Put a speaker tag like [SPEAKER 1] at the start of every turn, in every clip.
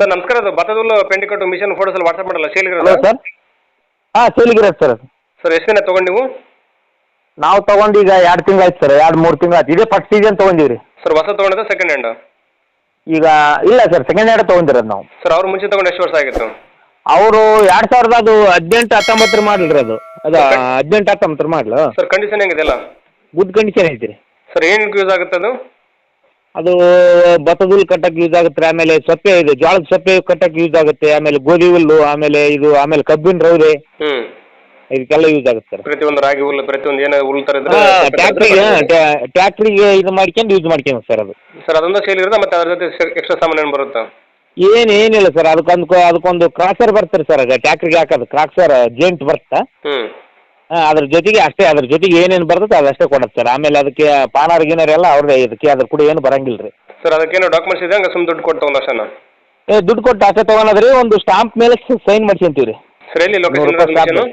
[SPEAKER 1] Sir ನಮಸ್ಕಾರ, ಅದು ಭತ್ತದ ಪೆಂಡಿ ಕಟ್ಟು ಮಿಷನ್ ಫೋಟೋಸ್ ಎಲ್ಲ ವಾಟ್ಸಪ್ ಮಾಡಲ್ಲ, ಸೇಲ್
[SPEAKER 2] ಹಲೋ
[SPEAKER 1] ಇರೋದು
[SPEAKER 2] ಸರ್. ಹಾಂ ಸೇಲಿಗಿರೋದು ಸರ್.
[SPEAKER 1] ಸರ್ ಎಷ್ಟು ದಿನ ತೊಗೊಂಡು ನೀವು?
[SPEAKER 2] ನಾವು ತೊಗೊಂಡು ಈಗ 2 ತಿಂಗಳು ಆಯ್ತು ಸರ್, 2-3 ತಿಂಗಳು ಆಯ್ತು. ಇದೇ ಫಸ್ಟ್ ಸೀಸನ್ ತೊಗೊಂಡಿವಿ ರೀ.
[SPEAKER 1] ಸರ್ ಹೊಸ ತೊಗೊಂಡಿದ್ದ ಸೆಕೆಂಡ್ ಹ್ಯಾಂಡ್?
[SPEAKER 2] ಈಗ ಇಲ್ಲ ಸರ್, ಸೆಕೆಂಡ್ ಹ್ಯಾಂಡ್ ತೊಗೊಂಡಿರೋದು ನಾವು.
[SPEAKER 1] ಸರ್ ಅವ್ರು ಮುಂಚೆ ತೊಗೊಂಡು ಎಷ್ಟು ವರ್ಷ ಆಗಿತ್ತು?
[SPEAKER 2] ಅವರು 2000 ಅದು 18-19 ಮಾಡಲ್ ರೀ ಅದು. 18-19 ಮಾಡಲು.
[SPEAKER 1] ಸರ್ ಕಂಡೀಷನ್ ಹೆಂಗಿದೆಲ್ಲ?
[SPEAKER 2] ಗುಡ್ ಕಂಡೀಷನ್ ಐತಿ ರೀ.
[SPEAKER 1] ಸರ್ ಏನು ಯೂಸ್ ಆಗುತ್ತೆ ಅದು?
[SPEAKER 2] ಅದು ಭತ್ತದ ಹುಲ್ಲು ಕಟ್ಟಕ್ಕೆ ಯೂಸ್ ಆಗುತ್ತೆ, ಆಮೇಲೆ ಸೊಪ್ಪೆ ಇದೆ, ಜೋಳದ ಸೊಪ್ಪೆ ಕಟ್ಟಕ್ಕೆ ಯೂಸ್ ಆಗುತ್ತೆ, ಆಮೇಲೆ ಗೋಧಿ ಹುಲ್ಲು, ಆಮೇಲೆ ಕಬ್ಬಿನ ರೌದೆ,
[SPEAKER 1] ಹ್ಞೂ
[SPEAKER 2] ಇದಕ್ಕೆಲ್ಲ ಯೂಸ್ ಆಗುತ್ತೆ ಸರ್.
[SPEAKER 1] ಪ್ರತಿಯೊಂದು ರಾಗಿ ಹುಲ್ಲು, ಪ್ರತಿಯೊಂದು ಏನೋ ಹುಲ್ಲು ಥರ ಇದ್ರೆ
[SPEAKER 2] ಟ್ಯಾಕ್ಟ್ರಿಗೆ ಇದು ಮಾಡ್ಕೊಂಡು ಯೂಸ್ ಮಾಡ್ಕೊಂಡು ಸರ್ ಅದು.
[SPEAKER 1] ಸರ್ ಅದೊಂದು ಸೇಲ್ ಇರೋದು, ಮತ್ತು ಅದ್ರ ಜೊತೆ ಎಕ್ಸ್ಟ್ರಾ ಸಾಮಾನು ಏನು ಬರುತ್ತಾ?
[SPEAKER 2] ಏನಿಲ್ಲ ಸರ್, ಅದಕ್ಕೊಂದು ಕ್ರಾಸರ್ ಬರ್ತಾರೆ ಸರ್, ಅದು ಟ್ಯಾಕ್ಟ್ರಿಗೆ ಹಾಕೋದು ಕ್ರಾಸರ್ ಜೇಂಟ್ ಬರುತ್ತೆ.
[SPEAKER 1] ಹ್ಞೂ
[SPEAKER 2] ಅದ್ರ ಜೊತೆಗೆ ಅಷ್ಟೇ, ಅದ್ರ ಜೊತೆಗೆ ಏನೇನು ಬರ್ತದೆ ಅದಷ್ಟೇ ಕೊಡುತ್ತೆ ಸರ್. ಆಮೇಲೆ ಅದಕ್ಕೆ ಪಾನಾರ್ ಗಿನಾರ್ ಎಲ್ಲ ಅವ್ರದ್ದೇ, ಇದಕ್ಕೆ ಅದ್ರ ಕೂಡ ಏನು ಬರಂಗಿಲ್ಲ ರೀ.
[SPEAKER 1] ಸರ್ ಅದಕ್ಕೇನೋ ಡಾಕ್ಯುಮೆಂಟ್ಸ್ ಇದೆ, ಹಂಗೆ ಸುಮ್ಮನೆ ದುಡ್ಡು ಕೊಟ್ಟು ತೊಗೊಂಡು ಅಷ್ಟೇನಾ?
[SPEAKER 2] ದುಡ್ಡು ಕೊಟ್ಟು ಅಷ್ಟೇ ತೊಗೊಳೋದ್ರಿ, ಒಂದು ಸ್ಟಾಂಪ್ ಮೇಲೆ ಸೈನ್ ಮಾಡ್ಕೊಂತೀವಿ ರೀ.
[SPEAKER 1] ಸರ್ ಎಲ್ಲಿ ಲೊಕೇಶನ್?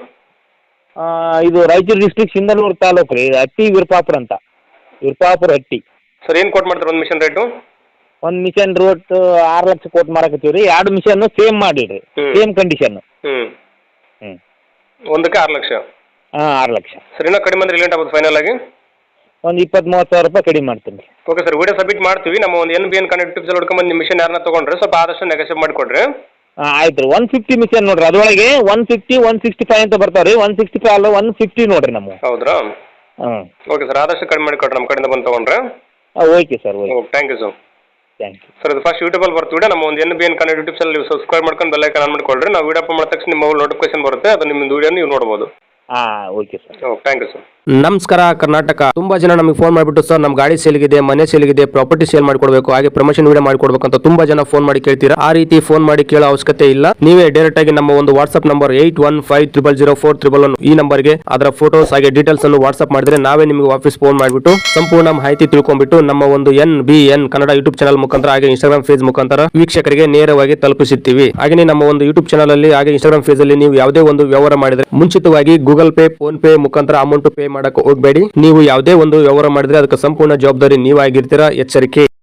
[SPEAKER 2] ಇದು ರಾಯಚೂರು ಡಿಸ್ಟ್ರಿಕ್ಟ್ ಸಿಂಧನೂರು ತಾಲೂಕು ರೀ, ಹಟ್ಟಿ ವಿರುಪಾಪುರ ಅಂತ, ವಿರುಪಾಪುರ ಹಟ್ಟಿ.
[SPEAKER 1] ಸರ್ ಏನು ಕೊಟ್ಟು ಮಾಡ್ತಾರೆ ಒಂದು ಮಿಷನ್ ರೇಟು?
[SPEAKER 2] ಒಂದು ಮಿಷನ್ ರೋಟ್ 6 ಲಕ್ಷ ಕೊಟ್ಟು ಮಾರಕತ್ತೀವಿ ರೀ. 2 ಮಿಷನ್ ಸೇಮ್ ಮಾಡಿರಿ, ಸೇಮ್ ಕಂಡೀಷನ್.
[SPEAKER 1] ಹ್ಞೂ ಒಂದಕ್ಕೆ 6 ಲಕ್ಷ?
[SPEAKER 2] ಹಾಂ 6 ಲಕ್ಷ.
[SPEAKER 1] ಸರ್ ಇನ್ನೂ ಕಡಿಮೆ ಅಂದ್ರೆ ಲೇಟ್ ಆಗುತ್ತೆ ಫೈನಲ್ ಆಗಿ?
[SPEAKER 2] ಒಂದು 20-30 ಸಾವಿರ ರೂಪಾಯಿ ಕಡಿಮೆ ಮಾಡ್ತೀನಿ ರೀ.
[SPEAKER 1] ಓಕೆ ಸರ್, ವಿಡಿಯೋ ಸಬ್ಮಿಟ್ ಮಾಡ್ತೀವಿ. ನಮ್ಮ ಒಂದು NBN ಕನೆಕ್ಟ್ ಟಿಪ್ಸ್ ಎಲ್ಲ ಹುಡ್ಕೊಂಬಂದು ನಿಮ್ಮ ಮಿಷನ್ ಯಾರನ್ನ ತೊಗೊಂಡ್ರೆ ಸ್ವಲ್ಪ ಆದಷ್ಟು ನೆಗೋಷಿಯೇಟ್ ಮಾಡಿಕೊಡ್ರಿ.
[SPEAKER 2] ಹಾಂ ಆಯ್ತು ರೀ. 150 ಮಿಷನ್ ನೋಡಿರಿ, ಅದರೊಳಗೆ 150, 165 ಅಂತ ಬರ್ತಾವೆ ರೀ. 165 ಅಲ್ಲ 150 ನೋಡಿರಿ ನಮ್ಮ.
[SPEAKER 1] ಹೌದ್ರಾ?
[SPEAKER 2] ಹಾಂ
[SPEAKER 1] ಓಕೆ ಸರ್, ಆದಷ್ಟು ಕಡಿಮೆ ಮಾಡಿಕೊಡ್ರಿ ನಮ್ಮ ಕಡೆಯಿಂದ ಬಂದು ತೊಗೊಂಡ್ರೆ.
[SPEAKER 2] Okay sir, okay.
[SPEAKER 1] Thank you sir.
[SPEAKER 2] Thank you
[SPEAKER 1] sir. ಅದು ಫಸ್ಟ್ ಯೂಟ್ಯೂಬಲ್ಲಿ ಬರ್ತೀವಿ ವಿಡಿಯೋ, ನಮ್ಮ ಒಂದು NBN ಕನೆಕ್ಟ್ ಟಿಪ್ಸ್ ಎಲ್ಲ ನೀವು ಸಬ್ಸ್ಕ್ರೈಬ್ ಮಾಡ್ಕೊಂಡು ಬೆಲ್ ಐಕಾನ್ ಆನ್ ಮಾಡಿಕೊಡ್ರಿ. ನಾವು ವಿಡಿಯೋ ಅಪ್ಲೋಡ್ ಮಾಡಿದ ತಕ್ಷಣ ನಿಮ್ಮ ಮೊಬೈಲ್ ನೋಟಿಫಿಕೇಶನ್ ಬರುತ್ತೆ, ಅದು ನಿಮ್ಮ ವಿಡಿಯೋ ನೀವು ನೋಡ್ಬೋದು.
[SPEAKER 2] ಹಾಂ okay sir.
[SPEAKER 1] Thank you sir.
[SPEAKER 3] ನಮಸ್ಕಾರ ಕರ್ನಾಟಕ. ತುಂಬಾ ಜನ ನಮಗೆ ಫೋನ್ ಮಾಡಿಬಿಟ್ಟು ಸರ್ ನಮ್ಮ ಗಾಡಿ ಸೇಲ್ಗಿದೆ, ಮನೆ ಸೇಲ್ಗಿದೆ, ಪ್ರಾಪರ್ಟಿ ಸೇಲ್ ಮಾಡಿಕೊಡ್ಬೇಕು, ಹಾಗೆ ಪ್ರಮೋಷನ್ ವಿಡಿಯೋ ಮಾಡಿಕೊಡ್ಬೇಕು ಅಂತ ತುಂಬಾ ಜನ ಫೋನ್ ಮಾಡಿ ಕೇಳ್ತೀರಾ. ಆ ರೀತಿ ಫೋನ್ ಮಾಡಿ ಕೇಳೋ ಅವಶ್ಯಕತೆ ಇಲ್ಲ. ನೀವೇ ಡೈರೆಕ್ಟ್ ಆಗಿ ನಮ್ಮ ಒಂದು ವಾಟ್ಸ್ಆಪ್ ನಂಬರ್ 81500411 ಈ ನಂಬರ್ಗೆ ಅದರ ಫೋಟೋಸ್ ಹಾಗೆ ಡೀಟೇಲ್ಸ್ ಅನ್ನು ವಾಟ್ಸ್ಆಪ್ ಮಾಡಿದ್ರೆ ನಾವೇ ನಿಮಗೆ ವಾಪಸ್ ಫೋನ್ ಮಾಡಿಬಿಟ್ಟು ಸಂಪೂರ್ಣ ಮಾಹಿತಿ ತಿಳ್ಕೊಂಡ್ಬಿಟ್ಟು ನಮ್ಮ ಒಂದು NBN ಕನ್ನಡ ಯೂಟ್ಯೂಬ್ ಚಾನಲ್ ಮುಖಾಂತರ ಹಾಗೆ ಇನ್ಸ್ಟಾಗ್ರಾಮ್ ಫೇಸ್ ಮುಖಾಂತರ ವೀಕ್ಷಕರಿಗೆ ನೇರವಾಗಿ ತಲುಪಿಸುತ್ತೀವಿ. ಹಾಗೆ ನಮ್ಮ ಒಂದು ಯೂಟ್ಯೂಬ್ ಚಾನಲ್ ಅಲ್ಲಿ ಹಾಗೆ ಇನ್ಸ್ಟಾಗ್ರಾಮ್ ಫೇಸ್ ಅಲ್ಲಿ ನೀವು ಯಾವುದೇ ಒಂದು ವ್ಯವಹಾರ ಮಾಡಿದ್ರೆ ಮುಂಚಿತವಾಗಿ ಗೂಗಲ್ ಪೇ, ಫೋನ್ ಪೇ ಮುಖಾಂತರ ಅಮೌಂಟ್ ಪೇ ಮಾಡಕ್ಕೆ ಹೋಗಬೇಡಿ. ನೀವು ಯಾವುದೇ ಒಂದು ವ್ಯವಹಾರ ಮಾಡಿದ್ರೆ ಅದಕ್ಕೆ ಸಂಪೂರ್ಣ ಜವಾಬ್ದಾರಿ ನೀವಾಗಿರ್ತೀರಾ. ಎಚ್ಚರಿಕೆ.